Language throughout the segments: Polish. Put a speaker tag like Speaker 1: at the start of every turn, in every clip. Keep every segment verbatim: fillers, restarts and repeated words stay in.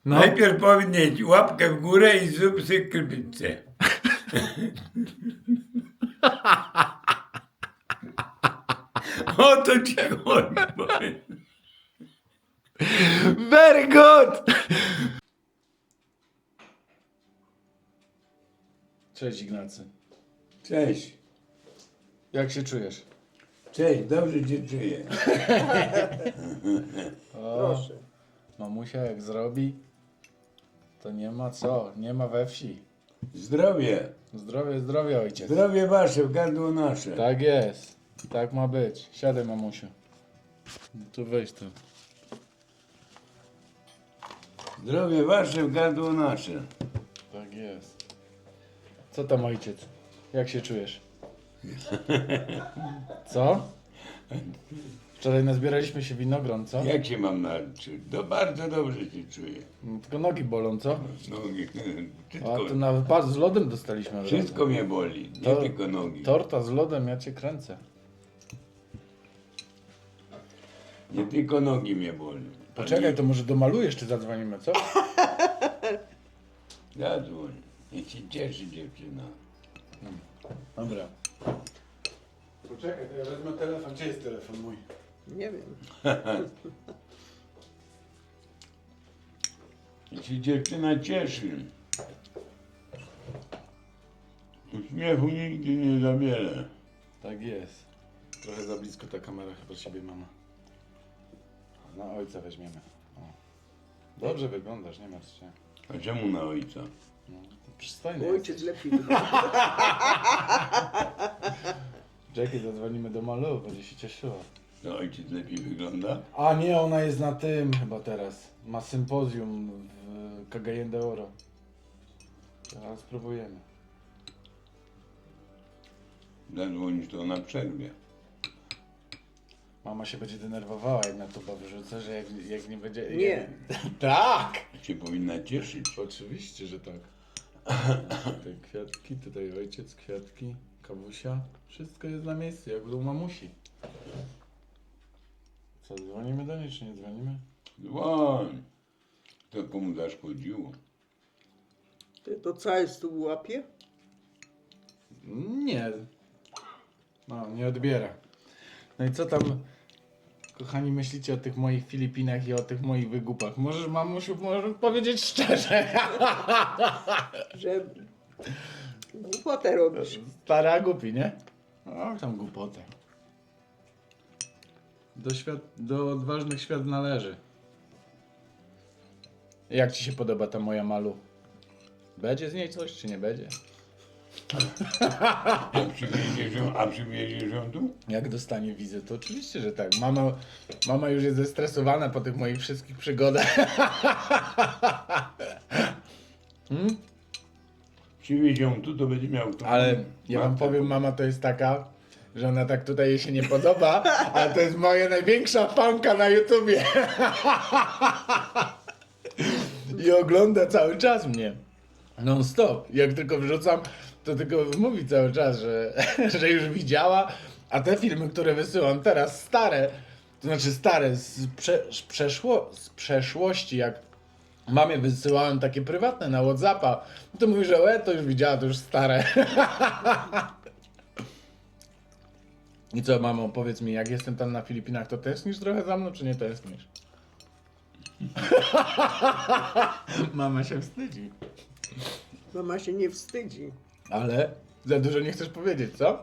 Speaker 1: No.
Speaker 2: Najpierw powinieneś łapkę w górę i zrób sobie krypicę. O to ci chodzi. powiem.
Speaker 1: Very good! Cześć Ignacy.
Speaker 2: Cześć.
Speaker 1: Jak się czujesz?
Speaker 2: Cześć, dobrze cię czuję.
Speaker 1: O,
Speaker 3: Proszę.
Speaker 1: mamusia jak zrobi, to nie ma co, nie ma we wsi.
Speaker 2: Zdrowie.
Speaker 1: Zdrowie, zdrowie ojciec.
Speaker 2: Zdrowie wasze, gardło nasze.
Speaker 1: Tak jest. Tak ma być. Siadaj mamusiu. Tu weź tu.
Speaker 2: Zdrowie wasze, gardło nasze.
Speaker 1: Tak jest. Co tam ojciec? Jak się czujesz? Co? Wczoraj nazbieraliśmy się winogron, co?
Speaker 2: Jak się mam nauczyć? No bardzo dobrze się czuję.
Speaker 1: No, tylko nogi bolą, co?
Speaker 2: Nogi,
Speaker 1: A
Speaker 2: wszystko,
Speaker 1: to nawet pas z lodem dostaliśmy. od
Speaker 2: wszystko
Speaker 1: razu.
Speaker 2: mnie boli, nie
Speaker 1: To-
Speaker 2: tylko nogi.
Speaker 1: Torta z lodem, ja cię kręcę.
Speaker 2: Nie tylko nogi mnie boli.
Speaker 1: Poczekaj, to może domalujesz, czy zadzwonimy, co?
Speaker 2: Zadzwoń. Niech się cieszy dziewczyna.
Speaker 1: Dobra. Poczekaj, to ja wezmę telefon. Gdzie jest telefon mój?
Speaker 3: Nie wiem.
Speaker 2: Niech się dziewczyna cieszy. Uśmiechu nigdy nie zabiera.
Speaker 1: Tak jest. Trochę za blisko ta kamera chyba ciebie, mama. Na ojca weźmiemy. O. Dobrze wyglądasz, nie martw się.
Speaker 2: A czemu na ojca?
Speaker 1: No, przystojny
Speaker 3: Ojciec
Speaker 1: jesteś.
Speaker 3: lepiej wygląda.
Speaker 1: Jackie, zadzwonimy do Malu, będzie się cieszyła.
Speaker 2: To ojciec lepiej wygląda?
Speaker 1: A nie, ona jest na tym chyba teraz. Ma sympozjum w Cagayen de Oro. Teraz spróbujemy.
Speaker 2: Zadzwonisz, to ona przerwie.
Speaker 1: Mama się będzie denerwowała, jak na tuba wyrzucę, że jak, jak nie będzie...
Speaker 3: Nie.
Speaker 1: Tak!
Speaker 2: Się powinna cieszyć.
Speaker 1: Oczywiście, że tak. Tutaj kwiatki, tutaj ojciec, kwiatki, kawusia. Wszystko jest na miejscu, jak u mamusi. Co, dzwonimy do niej, czy nie dzwonimy?
Speaker 2: Dzwoń. To komu zaszkodziło?
Speaker 3: Ty to cały stół łapie?
Speaker 1: Nie. No, nie odbiera. No i co tam, kochani, myślicie o tych moich Filipinach i o tych moich wygupach? Możesz, mamusiu, możesz powiedzieć szczerze.
Speaker 3: Że głupotę robisz.
Speaker 1: Stara głupi, nie? O, tam głupotę. Do, świat, do odważnych świat należy. Jak ci się podoba ta moja Malu? Będzie z niej coś, czy nie będzie?
Speaker 2: A przywieziesz ją, a przywieziesz ją tu?
Speaker 1: Jak dostanie wizę, to oczywiście, że tak. Mama, mama już jest zestresowana po tych moich wszystkich przygodach. hmm?
Speaker 2: Przywieź ją tu, to będzie miał to.
Speaker 1: Ale ja wam
Speaker 2: Matka.
Speaker 1: powiem, mama to jest taka, że ona tak tutaj jej się nie podoba, ale to jest moja największa fanka na YouTubie. I ogląda cały czas mnie. Non stop. Jak tylko wrzucam, to tylko mówi cały czas, że, że już widziała, a te filmy, które wysyłam teraz, stare, to znaczy stare, z, prze, z, przeszło, z przeszłości, jak mamie wysyłałem takie prywatne na Whatsappa, to mówi, że e, to już widziała, to już stare. I co, mamo, powiedz mi, jak jestem tam na Filipinach, to tęsknisz trochę za mną, czy nie tęsknisz? Mama się wstydzi.
Speaker 3: Mama się nie wstydzi.
Speaker 1: Ale za dużo nie chcesz powiedzieć, co?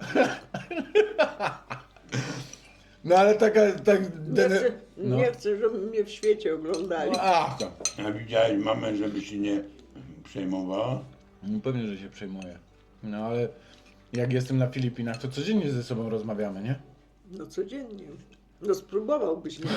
Speaker 1: No ale taka, tak...
Speaker 3: Nie chcę,
Speaker 1: no.
Speaker 3: nie chcę, żeby mnie w świecie oglądali.
Speaker 1: No, ach, to.
Speaker 2: A widziałeś mamę, żeby się nie przejmowała?
Speaker 1: No pewnie, że się przejmuję. No ale jak jestem na Filipinach, to codziennie ze sobą rozmawiamy, nie?
Speaker 3: No codziennie. No spróbowałbyś. Nie?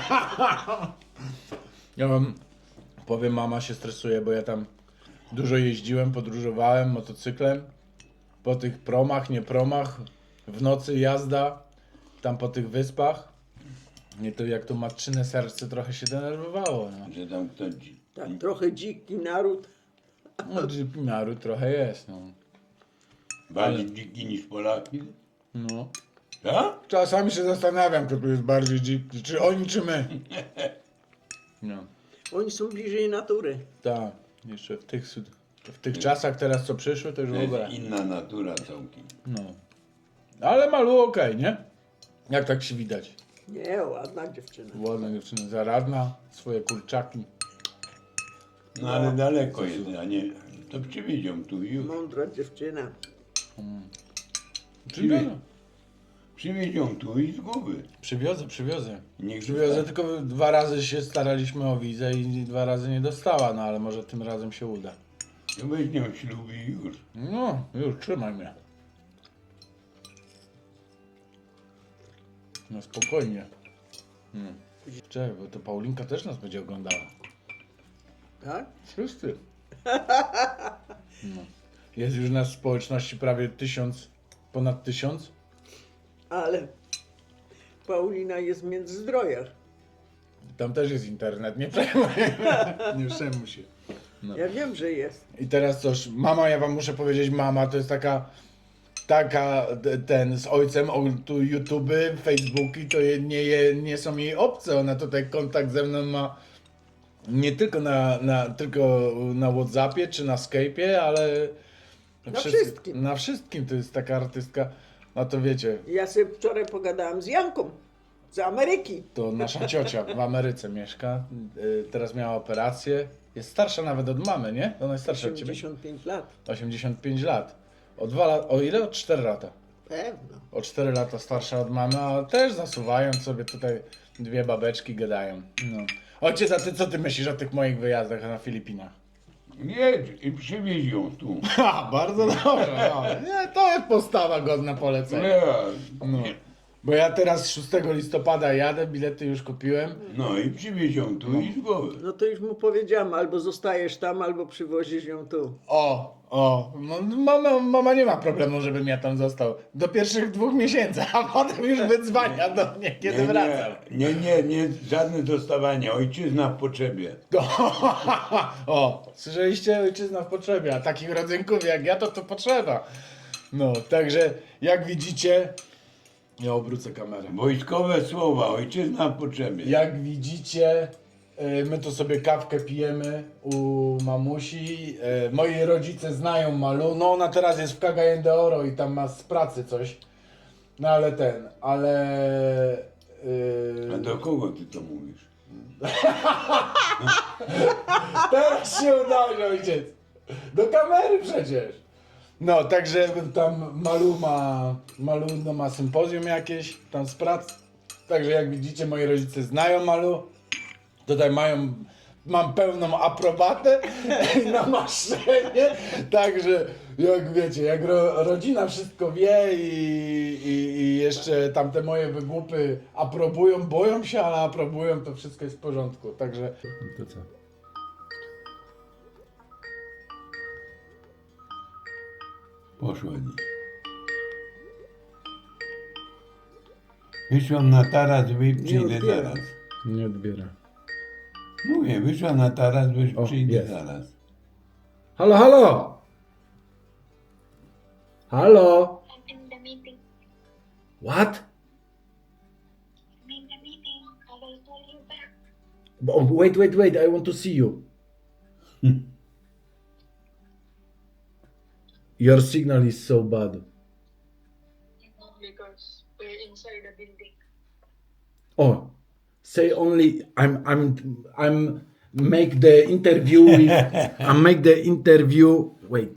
Speaker 1: Ja wam powiem, mama się stresuje, bo ja tam dużo jeździłem, podróżowałem motocyklem. Po tych promach, nie promach, w nocy jazda, tam po tych wyspach. Nie to jak to matczyne serce trochę się denerwowało. No,
Speaker 2: Że tam ktoś...
Speaker 3: Tak, trochę dziki naród.
Speaker 1: no naród trochę jest, no.
Speaker 2: Bardziej dziki niż Polaki?
Speaker 1: no.
Speaker 2: Tak?
Speaker 1: Czasami się zastanawiam, kto tu jest bardziej dziki, czy oni, czy my. No.
Speaker 3: Oni są bliżej natury.
Speaker 1: Tak, jeszcze w tych, syd- w tych czasach teraz co przyszły, to już
Speaker 2: To
Speaker 1: w ogóle.
Speaker 2: jest inna natura całkiem.
Speaker 1: No. Ale Malu okej, nie? Jak tak się widać?
Speaker 3: Nie, ładna dziewczyna.
Speaker 1: Ładna dziewczyna, zaradna, swoje kurczaki.
Speaker 2: No ale daleko jest, a nie... To przywiezią tu i już.
Speaker 3: Mądra dziewczyna.
Speaker 1: Przywiozę.
Speaker 2: Przywiezią tu i z głowy.
Speaker 1: Przywiozę, przywiozę.
Speaker 2: Niech
Speaker 1: Przywiozę,
Speaker 2: zostanie.
Speaker 1: tylko dwa razy się staraliśmy o wizę i dwa razy nie dostała, no ale może tym razem się uda.
Speaker 2: To weźmią ślub i już.
Speaker 1: No, już, trzymaj mnie. No spokojnie. Hmm. Czekaj, bo to Paulinka też nas będzie oglądała.
Speaker 3: Tak?
Speaker 1: Wszyscy. No. Jest już nas w społeczności prawie tysiąc, ponad tysiąc.
Speaker 3: Ale Paulina jest w Międzyzdrojach.
Speaker 1: Tam też jest internet, nie przejmuj. Nie przejmuj się. No.
Speaker 3: Ja wiem, że jest.
Speaker 1: I teraz coś, mama, ja wam muszę powiedzieć, mama to jest taka, taka, t- ten, z ojcem, o, tu YouTube, Facebooki, to je, nie, je, nie są jej obce, ona tutaj kontakt ze mną ma nie tylko na, na, tylko na Whatsappie czy na Skype'ie, ale
Speaker 3: Na wszystkim.
Speaker 1: Na wszystkim, to jest taka artystka, no to wiecie,
Speaker 3: Ja sobie wczoraj pogadałam z Janką z Ameryki.
Speaker 1: to nasza ciocia w Ameryce mieszka, y, teraz miała operację, jest starsza nawet od mamy, nie? Ona jest starsza od ciebie.
Speaker 3: osiemdziesiąt pięć lat.
Speaker 1: osiemdziesiąt pięć lat. O dwa lata, o ile? O cztery lata.
Speaker 3: Pewno.
Speaker 1: O cztery lata starsza od mamy, a też zasuwają sobie tutaj dwie babeczki gadają. No. Ojciec, a ty co ty myślisz o tych moich wyjazdach na Filipinach?
Speaker 2: Jedź i przywiezią tu.
Speaker 1: Ha, bardzo dobrze. No. Nie, to jest postawa godna polecenia.
Speaker 2: Nie.
Speaker 1: No. Bo ja teraz szóstego listopada jadę, bilety już kupiłem.
Speaker 2: No i przywiezią tu i z głowy.
Speaker 3: No to już mu powiedziałam, albo zostajesz tam, albo przywozisz ją tu.
Speaker 1: O, o, no, mama, mama nie ma problemu, żebym ja tam został. Do pierwszych dwóch miesięcy, a potem już wydzwania do mnie, kiedy
Speaker 2: nie,
Speaker 1: wracam.
Speaker 2: nie, nie, nie, żadne dostawanie. Ojczyzna w potrzebie.
Speaker 1: O, słyszeliście? Ojczyzna w potrzebie, a takich rodzynków jak ja, to to potrzeba. No, także jak widzicie, ja obrócę kamerę.
Speaker 2: Wojskowe słowa, ojczyzna w potrzebie.
Speaker 1: Jak widzicie, y, my tu sobie kawkę pijemy u mamusi. Y, Moi rodzice znają Malu. No ona teraz jest w Cagayan de Oro i tam ma z pracy coś. No ale ten, ale...
Speaker 2: A
Speaker 1: y,
Speaker 2: do kogo ty to mówisz?
Speaker 1: Teraz się udało, ojciec. Do kamery przecież. No, także tam Malu ma, Malu no, ma sympozjum jakieś tam z prac. Także jak widzicie, moi rodzice znają Malu. Tutaj mają, mam pełną aprobatę na maszenie. Także jak wiecie, jak ro, rodzina wszystko wie i, i, i jeszcze tamte moje wygłupy aprobują, boją się, ale aprobują, to wszystko jest w porządku. Także to co?
Speaker 2: Poszła dziś. Wyszłam na taras, wy przyjdę
Speaker 3: odbiera.
Speaker 2: zaraz.
Speaker 1: Nie odbiera.
Speaker 2: Mówię, wyszła na taras, wy
Speaker 1: O,
Speaker 2: przyjdę
Speaker 1: jest.
Speaker 2: zaraz.
Speaker 1: Halo, halo! Halo!
Speaker 4: I'm in the meeting.
Speaker 1: What?
Speaker 4: I'm in the meeting. I will call you back.
Speaker 1: Oh, wait, wait, wait, I want to see you. Your signal is so bad.
Speaker 4: Because we're inside the building.
Speaker 1: Oh, say only I'm I'm I'm make the interview with I make the interview wait.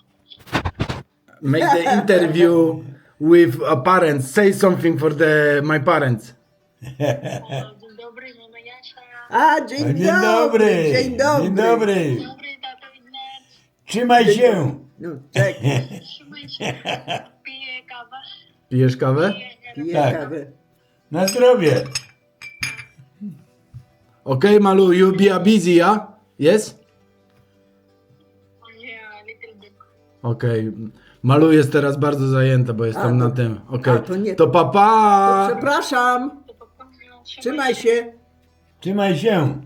Speaker 1: Make the interview with a parents. Say something for the my parents.
Speaker 4: O, dzień dobry, mama Jasia.
Speaker 3: A, dzień,
Speaker 2: Dzień
Speaker 3: dobry,
Speaker 2: dobry!
Speaker 3: dzień dobry.
Speaker 2: Dzień dobry!
Speaker 4: Dzień dobry, tato Ignac.
Speaker 2: Trzymaj się!
Speaker 3: No, czekaj,
Speaker 4: Trzymaj się. Piję kawę.
Speaker 1: Pijesz kawę?
Speaker 4: Piję
Speaker 3: piję
Speaker 2: Tak.
Speaker 3: kawę.
Speaker 2: Na zdrowie!
Speaker 1: Okay, Malu, you be a busy, yeah? Yes?
Speaker 4: Yeah, little bit.
Speaker 1: Okej. Malu jest teraz bardzo zajęta, bo jest
Speaker 3: A,
Speaker 1: tam
Speaker 3: to-
Speaker 1: na tym. Okej.
Speaker 3: a, to nie-
Speaker 1: To papa!
Speaker 3: Przepraszam,
Speaker 4: To papa, no,
Speaker 3: trzymaj się.
Speaker 2: Trzymaj się!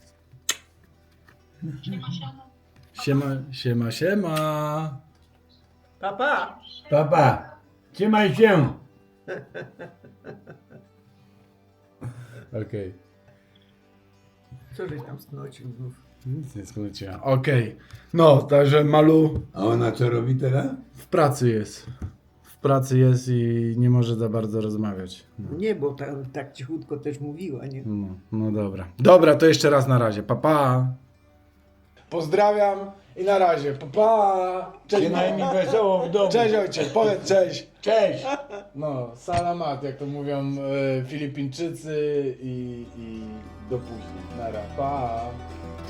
Speaker 4: Trzymaj się.
Speaker 1: Siema, siema, siema.
Speaker 3: Papa.
Speaker 2: Papa! Trzymaj się!
Speaker 1: Okej.
Speaker 3: Co żeś tam sknocił znów?
Speaker 1: Nic nie skróciłem. Okej. No, także Malu
Speaker 2: A ona co robi teraz?
Speaker 1: w pracy jest. W pracy jest i nie może za bardzo rozmawiać. No,
Speaker 3: Nie, bo tam tak cichutko też mówiła, nie?
Speaker 1: no, no dobra. Dobra, to jeszcze raz na razie. Pa, pa. Pozdrawiam i na razie. Pa, pa. Cześć,
Speaker 2: Przynajmniej
Speaker 1: mamo.
Speaker 2: wesoło w domu.
Speaker 1: Cześć ojciec, powiedz cześć.
Speaker 2: Cześć!
Speaker 1: No, salamat, jak to mówią e, Filipińczycy i, i do później. Nara, pa.